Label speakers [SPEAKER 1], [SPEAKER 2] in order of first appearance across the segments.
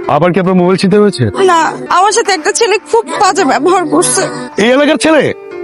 [SPEAKER 1] আবার কি আপনার মোবাইল ছিনতে হয়েছে?
[SPEAKER 2] না, আমার সাথে একটা ছেলে খুব বাজে ব্যবহার করছে।
[SPEAKER 1] এই এলাকার ছেলে?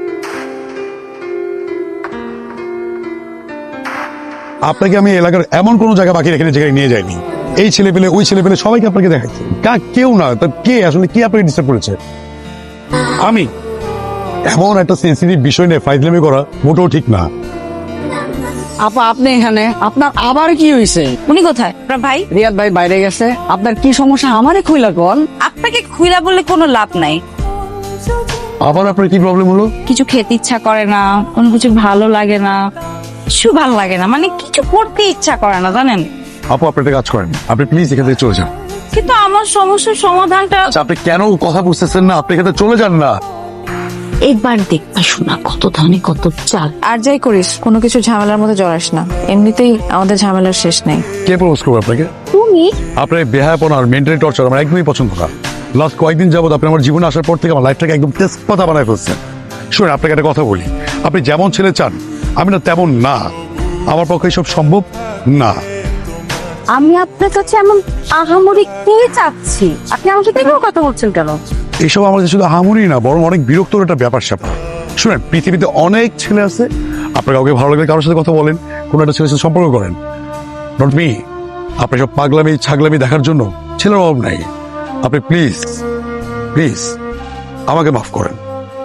[SPEAKER 1] আপনাকে আমি এলাকার এমন কোন জায়গা বাকি রেখে জায়গায় নিয়ে যাইনি। এই ছেলে পেলে ওই ছেলে পেলে সবাইকে আপনাকে দেখাচ্ছে। কেউ না, তা কে আসলে কি আপনাকে ডিস্টার্ব করেছে? আমি এমন একটা সেন্সিটিভ বিষয় নিয়ে ফাইজলামি করা মোটেও ঠিক না।
[SPEAKER 3] আপা আপনি এখানে, আপনার আবার কি হয়েছে?
[SPEAKER 2] উনি কোথায়? আপনার ভাই?
[SPEAKER 3] রিয়াদ ভাই বাইরে গেছে। আপনার কি সমস্যা আমারে খুইলা কোন?
[SPEAKER 2] আপনাকে খুইলা বললে কোনো লাভ নাই।
[SPEAKER 1] আবার আপনার কি প্রবলেম হলো?
[SPEAKER 2] কিছু খেতে ইচ্ছা করে না, কোনো কিছু ভালো লাগে না, কিছু ভালো লাগে না, মানে কিছু করতে ইচ্ছা করে না, জানেন?
[SPEAKER 1] আপু আপনি একটা কাজ করেন, আপনি প্লিজ এখান থেকে চলে যান।
[SPEAKER 2] কিন্তু আমার সমস্যার সমাধানটা
[SPEAKER 1] আচ্ছা, আপনি কেন কথা বুঝতেছেন না? আপনি এখান থেকে চলে যান না।
[SPEAKER 2] একবার দেখবা শোনা কত ধানে কত চাল।
[SPEAKER 4] আর যাই করিস কোনো কিছু ঝামেলার মধ্যে জড়াস না, এমনিতেই আমাদের ঝামেলার শেষ নেই।
[SPEAKER 1] কে প্রপোজ করবো আপনাকে?
[SPEAKER 2] তুমি
[SPEAKER 1] আপনার বেহায়াপনা আর মেন্টালি টর্চার আমার একদমই পছন্দ না। লাস্ট কয়েকদিন যাবত আপনি আমার জীবনে আসার পর থেকে আমার লাইফটাকে একদম তেজ পাতা বানায় ফেলছেন। শুনুন, আপনাকে একটা কথা বলি, আপনি যেমন ছেলে চান আমি না তেমন না। আমার পক্ষে এসব সম্ভব না।
[SPEAKER 2] আমি আপনার কাছে এমন আহামরি কি চাচ্ছি? আপনি আমার সাথে এভাবে কথা বলছেন কেন?
[SPEAKER 1] এইসব আমার কাছে শুধু হামুরি না, বরং অনেক বিরক্তর একটা ব্যাপার স্যাপার। শুনেন, পৃথিবীতে অনেক ছেলে আছে, আপনার কাউকে ভালো লাগলে কারোর সাথে কথা বলেন, কোনো একটা ছেলের সাথে সম্পর্ক করেন। Not me. আপনি সব পাগলামি ছাগলামি দেখার জন্য ছেলের অভাব নাই। আপনি প্লিজ প্লিজ আমাকে মাফ করেন।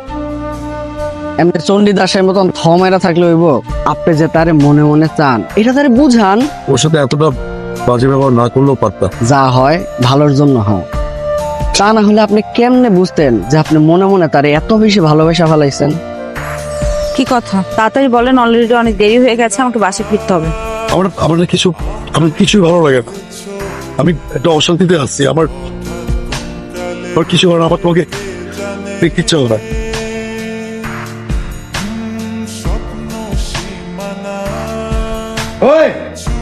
[SPEAKER 3] এমনি চণ্ডীদাসের মতন থমেরা থাকলে হইব? আপনি যে তারে মনে মনে চান এটা তারে বুঝান।
[SPEAKER 1] ওর সাথে এতটা বাজে ব্যবহার না করলেও পারতাম।
[SPEAKER 3] যা হয় ভালোর জন্য হয়, তা না হলে আপনি কেমনে বুঝতেন যে আপনি মনে মনে তারে এত বেশি ভালোবাসা ফেলাইছেন?
[SPEAKER 2] কি কথা, তাড়াতাড়ি বলেন, অলরেডি অনেক দেরি হয়ে গেছে, আমাকে বাসে ফিরতে হবে।
[SPEAKER 1] আমার কিছুই ভালো লাগে না। আমি একটা অশান্তিতে আছি। আমার কিছু হয় না, আমার তোমাকে দেখতে ইচ্ছা হয় না। ওই